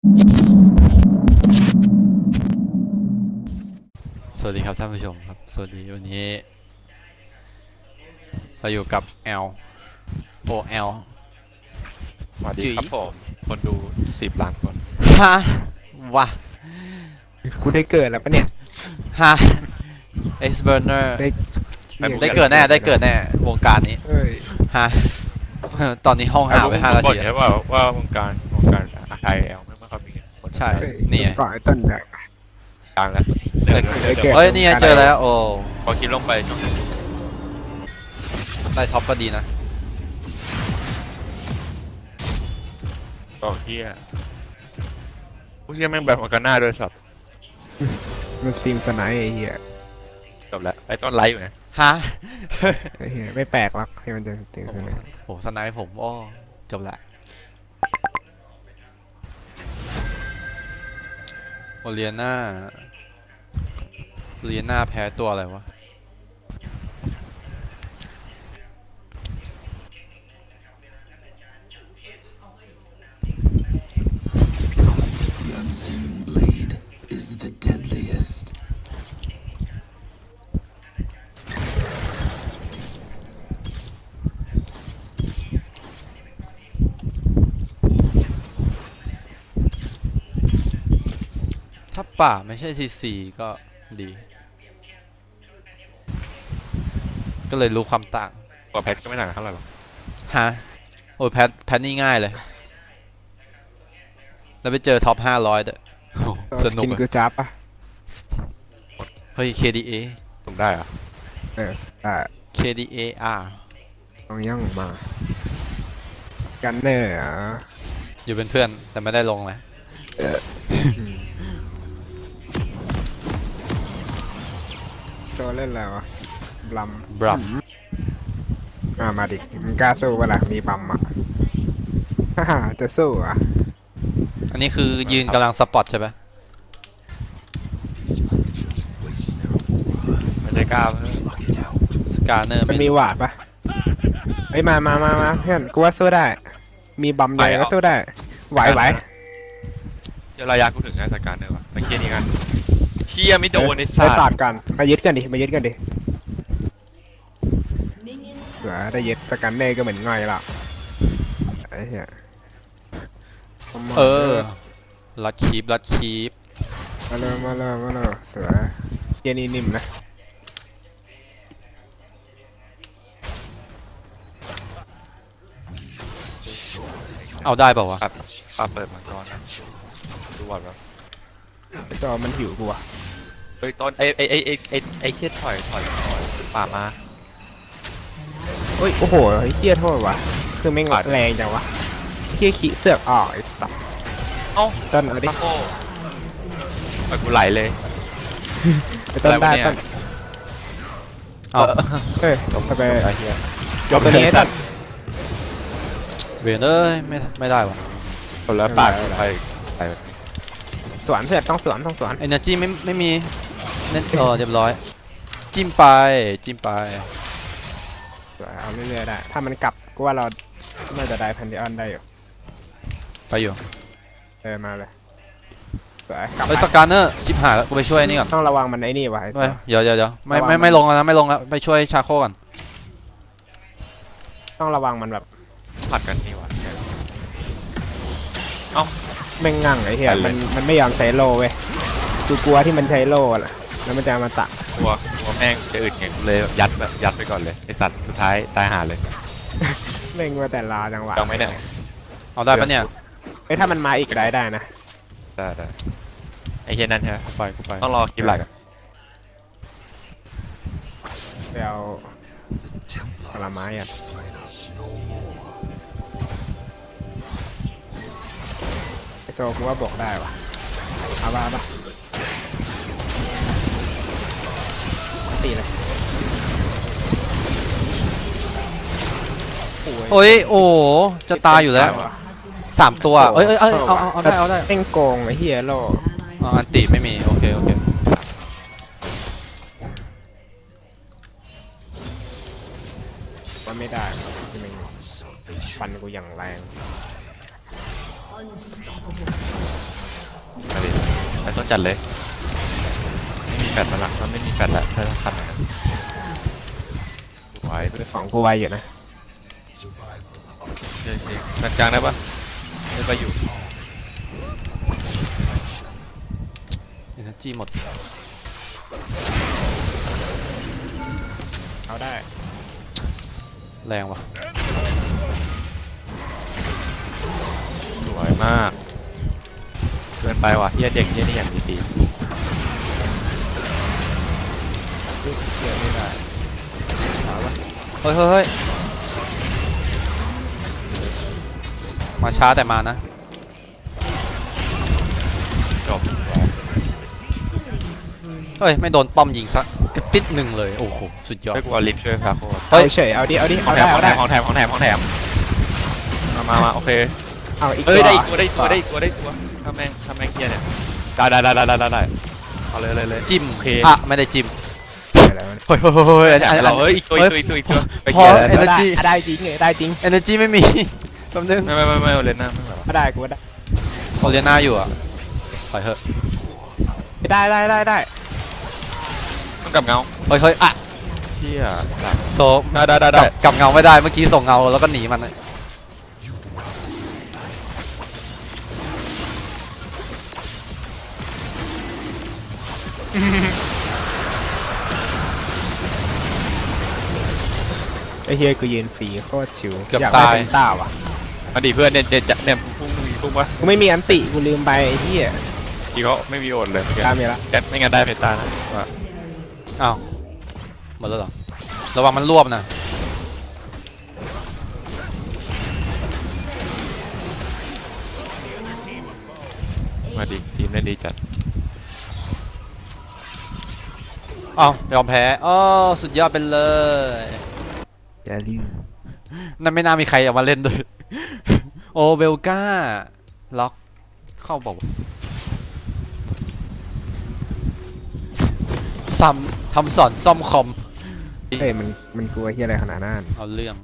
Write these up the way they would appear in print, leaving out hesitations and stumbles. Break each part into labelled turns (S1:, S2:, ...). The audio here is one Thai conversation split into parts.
S1: สวัสดีครับท่านผู้ชมครับสวัสดีวันนี้เราอยู่กับ L OL
S2: สวัสดีครับผมคนดู10 ล้านคน
S1: ฮะวะ
S3: กูได้เกิดแล้วปะเนี่ย
S1: ฮะ X Burner
S3: ได้
S1: ได้เกิดแน่ได้เกิดแน่วงการนี้
S3: เอ้ย
S1: ฮะ ตอนนี้ห้องหาไป5 นาที
S2: ใช่ป่าว่าวงการไทยแอลไม่ค่อยมีคน
S1: ใช่
S3: เอ้ย
S1: นี่ไง
S3: ก่อนไอ้ต้นแบบ
S2: กลางแล้ว
S3: ได้เกิด
S1: เอ้ยนี่ไงเจอแล้วโอ้
S2: พอคิดลงไปช่วง
S1: ได้ท็อปก็ดีนะ
S2: ต่อเฮียพวกเฮียแม่งแบบมันกันหน้าด้วยสับ
S3: มันสตรีมสไนป์ไอ้เหี้ย
S2: จบแล้วไอ้ต้นไลฟ์อยู่นะ
S1: ฮะ
S3: ไอ้เหี้ยไม่แปลกหรอกที่มันจะสตรีมสไนป์
S1: โหสไนป์ผมโอ้จบละโอเลียน่าแพ้ตัวอะไรวะ
S4: Blade is the deadliest.
S1: ถ้าป่าไม่ใช่ซีก็ดี ก็เลยรู้ความต่าง
S2: กว่าแพทก็ไม่ต่างกันเท่าไหร่หรอก
S1: ฮะ โอ้ยแพทนี่ง่ายเลย แล้วไปเจอท็อป500ด้วยโอ้โหส
S3: ส
S1: นุก
S3: กิน
S1: อะ
S3: กูจับปะ
S1: เฮ้ย KDA
S2: สุ่มได้เหรอ
S3: เออได้
S1: KDA
S3: ต้องย่องมา กันเนอร์อ่ะ
S1: อยู่เป็นเพื่อนแต่ไม่ได้ลงนะ
S3: โซเล่นแล้วะบลัม
S1: บลัม
S3: มาดิมึงกล้าสู้ปะล่ะมีบัมอ่ะ ฮ่าจะสู้อ่ะ
S1: อันนี้คือยืนกำลังสปอตใช่ปะ
S2: ไม่ได้กล้า
S1: สกาเนอร์
S3: มันมีหวาดปะเฮ้ยมาเพื่อนกูว่าสู้ได้ มีบัมใหญ่ก็สู้ได้ไหว
S2: เดี๋ยวระยะกูถึงงานจัดการเนอะวะมาเคลียร์นี่กันเฮียไม่โดนใน
S3: ไป
S2: สัต
S3: ตัด
S2: ว์
S3: กันมายึดกันดิเสือได้ยึดสกันเน่ก็เหมือนง่อยละไอ้เหี้ย
S1: ลัดคีป
S3: มาเลยเสือเยนี่นิ่มนะ
S1: เอาได้เปล่าวะ
S2: ครับเปิดมาก่อนนะดูบอลแบบ
S3: ไอ้จอมันหิวกูว่ะ
S2: เฮ้ยต้นไอ้เฮียถอยป่ามา
S3: เฮ้ยโอ้โหไอ้เหี้ยโทษว่ะคือแม่ง
S2: ปาด
S3: แรงจังวะเหี้ยขี้เสือกออกไอ้สัส
S2: เอ้า
S3: ต้นเอาดิ
S2: ตะโก้ไปกูไหลเลย
S3: ไอ้ต้น
S2: อะไร
S3: ได้
S2: วะเนี่ย
S3: ต้น
S1: เอา
S3: เฮ้ยทำไม
S2: ไอ้เฮีย
S3: ยกตัวนี้ให้ต้น
S1: เวนเอ้ยไม่ได้วะ
S2: คนละปากไปไป
S3: สวนเพื่อนต้องสวน
S1: เอเนอร์จีไม่มีเน้นเรียบร้อย จิ้มไป
S3: สวนเอาเรื่อยๆได้ถ้ามันกลับกูว่าเราน่าจะได้พันดิออนได้อยู่
S1: ไปอยู่
S3: มาเลยสวยกลับ
S1: เฮ้ยสกาเนอร์ชิบหายแล้วกูไปช่วยนี่ก่อน
S3: ต้องระวังมันไอ้นี่ว่ะไอ้
S1: เฮ้
S3: สั
S1: ย
S3: ส
S1: เดี๋ยว
S3: ระวัง
S1: ไม่ลงแล้วนะไม่ลงแล้วไปช่วยชาโคก่อน
S3: ต้องระวังมันแบบ
S2: ผัดกันนี่วะ
S3: แม่งงั่งไอ้เหี้ย
S2: ไปเลย
S3: มันไม่ยอมใช้โลเว้ยกูกลัวที่มันใช้โลแหละแล้วมันจะมาตัด
S2: กลัวแม่งจะอึดไงเลยยัดไปก่อนเลยไอสัตว์สุดท้ายตายหาเลย
S3: เล่งมาแต่ลาจังหวะ
S2: ต้องไหมเนี่ย
S1: เอาได้ปะเนี่ย
S3: เฮ้ยถ้ามันมาอีกได้นะ
S2: ได้ไอเฮียนั่นใช่ไหม
S1: กูไป
S2: ต้องรอคลิปหลักอะ
S3: ไปเอาผลไม้อ่ะไอโซกูว่าบอกได้ว่ะเอาบ้าปะตีเลย
S1: โอ้ยโอ้จะตายอยู่แล้ว3 ตัวเอ้ยเอาได้
S3: เอ็งโกงไอ้เฮียโล
S1: อันติไม่มีโอเค
S3: ว่าไม่ได้ที่มึงฟันกูอย่างแรง
S4: Unstoppable.
S2: ต้องจัดเลยไม่มีแฟดมาหลักมันไม่มีแฟดแล้วถ้าทำอย่างนั้นไหวเพื่อน
S3: ของกูไวอยู่นะ
S2: เช็คแฟดกลางได้ปะได้ไปอยู่
S1: เอเนจีหมด
S3: เอาได้
S1: แรงว่ะ
S2: สวยมากเกินไปว่ะเฮียเด็กเฮียนี่อย่างมีสี
S1: เฮ้ยเฮ้ยเฮ้ยมาช้าแต่มานะ
S2: จบ
S1: เฮ้ยไม่โดนป้อมยิงสักกระติดหนึ่งเลยโอ้โหสุดยอด
S2: ให้กูเอาลิฟต์ช่วยพาโค้ด
S1: เฮ้
S3: เอา
S1: ย
S3: เฉยเอาดิเอาดิ
S2: ของ
S3: เอา
S2: แถ
S3: ได้
S2: มขอ
S3: เอา
S2: งแถ
S3: ได้
S2: มของแถมมาโอเค
S3: เอาอีก
S2: เอ้ย
S3: ตัว
S2: ได้อีกตัวได้อีกตัวได้อีกตัวได้อีกตัวทำแม่งเฮียเนี่ยได้เอาเลย
S1: จิ้ม
S2: โอเค
S1: อ่ะไม่ได้จิ้ม
S3: ไปแล้ว
S1: เฮ้ยเฮ้ยเฮ้ย
S2: แถมเราเอ้ยอีกตัวไป
S1: พอ
S2: เฮีย
S1: energy
S3: ได้จริงเลยได้จริง
S1: energy ไม่มีแป๊บนึง
S2: ไม่เอาเลยนะไม่แบบ
S3: ก็ได้กูก็ได้
S1: โอเลียนาอยู่อ่ะปล่อยเถอะ
S3: ได้
S2: ต้องกลับเงา
S1: เฮ้ยเฮ้ยอ่ะ
S2: เฮีย
S1: โซ
S2: ได้
S1: กลับเงาไม่ได้เมื่อกี้ส่งเงาแล้วก็หนีมันเลย
S3: ไอ้เฮียกูยืนฟรีโคตรชิว
S1: เกือบ
S3: อยากได้
S1: ตาย
S3: เป็นต้าว่ะ
S2: มาดิเพื่อนเนี่ยพุ่งวะ
S3: กูไม่มีอันติกูลืมไปไอ้เฮีย
S2: ทีเขาไม่มีโอดเลย
S3: ตามมีละ
S2: แกไม่งั้นได้เพตานะว่า
S1: อ้าวหมดแล้วเหรอระวังมันรวบนะ
S2: มาดิทีมเล่นดีจัด
S1: อ้าวยอมแพ้อ้อสุดยอดไปเลย
S3: อย่าลืม
S1: นั่นไม่น่ามีใครเอามาเล่นด้วย โอเบลกาล็อกเข้าบอกซ้ำทำสอนซ่อมคอม
S3: เฮ้ยมันกลัวเฮียอะไรขนาดนั้น
S1: เอาเรื่อง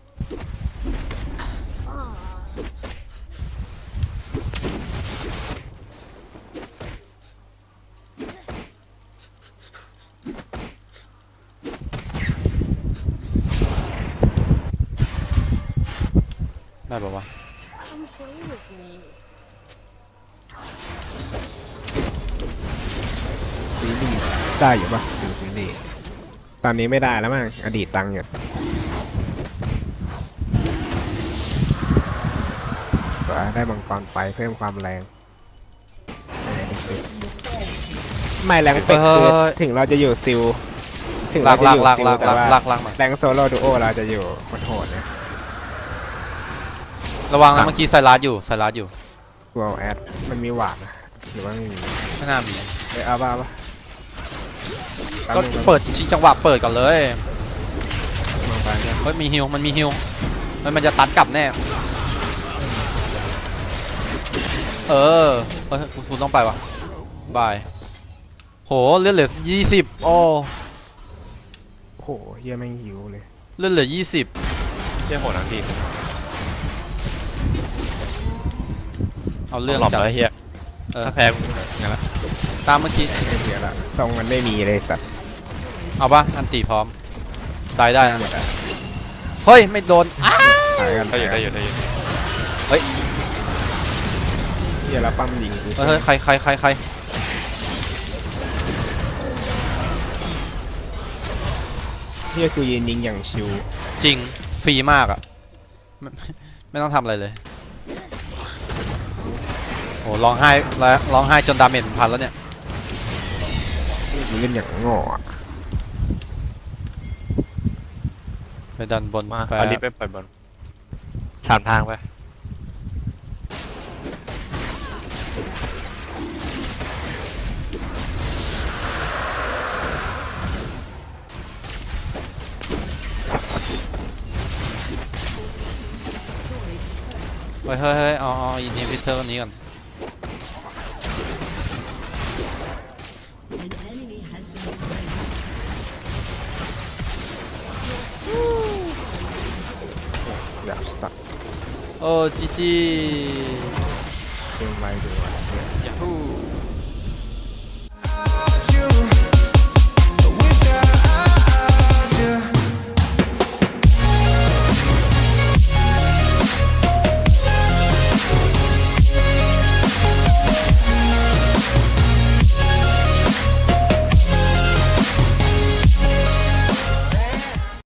S1: ได้ปะวะ
S5: Come play with me.
S3: ซีรีส์ได้อยู่ปะดูซีรีส์ตอนนี้ไม่ได้แล้วมั้งอดีตตังอยู่ได้มังกรไฟเพิ่มความแรงไม่แรงเฟกคือถึงเราจะอยู่ซิลถึง
S1: ลา
S3: เรา
S1: ก
S3: จะ
S1: ลา
S3: อก ยู่
S1: ลาก
S3: ซิล
S1: ลาก
S3: แต่
S1: ลาก
S3: ว่า
S1: ลากลากมา
S3: แรงโซโล่ดูโอเราจะอยู่โหดนะ
S1: ระวังนะเมื่อกี้ไซรัสอยู่
S3: กลัวแอดมันมีหวาดนะหรือว่าไม่มี
S1: ไม่น่ามี
S3: เอาบ้าปะ
S1: ก็เปิดชิงจังหวะเปิดก่อนเลย
S3: มองไปเนี่ย
S1: เฮ้ยมีฮิวมันมีฮิวมันจะตัดกลับแน่เออเฮ้ยกูต้องไปว่ะบายโหเลือดเหลือ20โอ้
S3: โอ้โหเฮียแม่งหิวเลย
S1: เลือดเหลือ20
S2: เฮียโหดทั้งทีม
S1: เอาเรื่อง
S2: หลบ
S1: จัด
S2: แล้วเฮีย
S1: เออ
S2: ถ้าแพ้กูงั้นละ
S1: ตามเมื่อกี้
S3: ไม่เสียละทรงมันไม่มีเลยสัตว์
S1: เอาปะอันตีพร้อมได้นะเฮ้ยไม่โดนอ้า
S3: หายกัน
S2: ได้อยู่
S3: เฮียแล้วปั้มยิงกู
S1: เฮ้ยใคร
S3: เฮียกูยืนยิงอย่างชิว
S1: จริงฟรีมากอ่ะไม่ต้องทำอะไรเลยโอ้ร้องไห้จนดาเมจพันแล้วเนี่ย
S3: กูเล่นอย่างโง่อะ
S1: ไปดันบน
S2: มา
S1: ไป
S2: เอาลิฟต์ไปปล่อยบอลสามทางไป
S1: เฮ้ยเอาอินฮิบิเตอร์นี้ก่อน
S3: อยากสัตว์
S1: โอ้จี
S3: เกมไวดูอะ
S1: ยาฮู
S6: without you.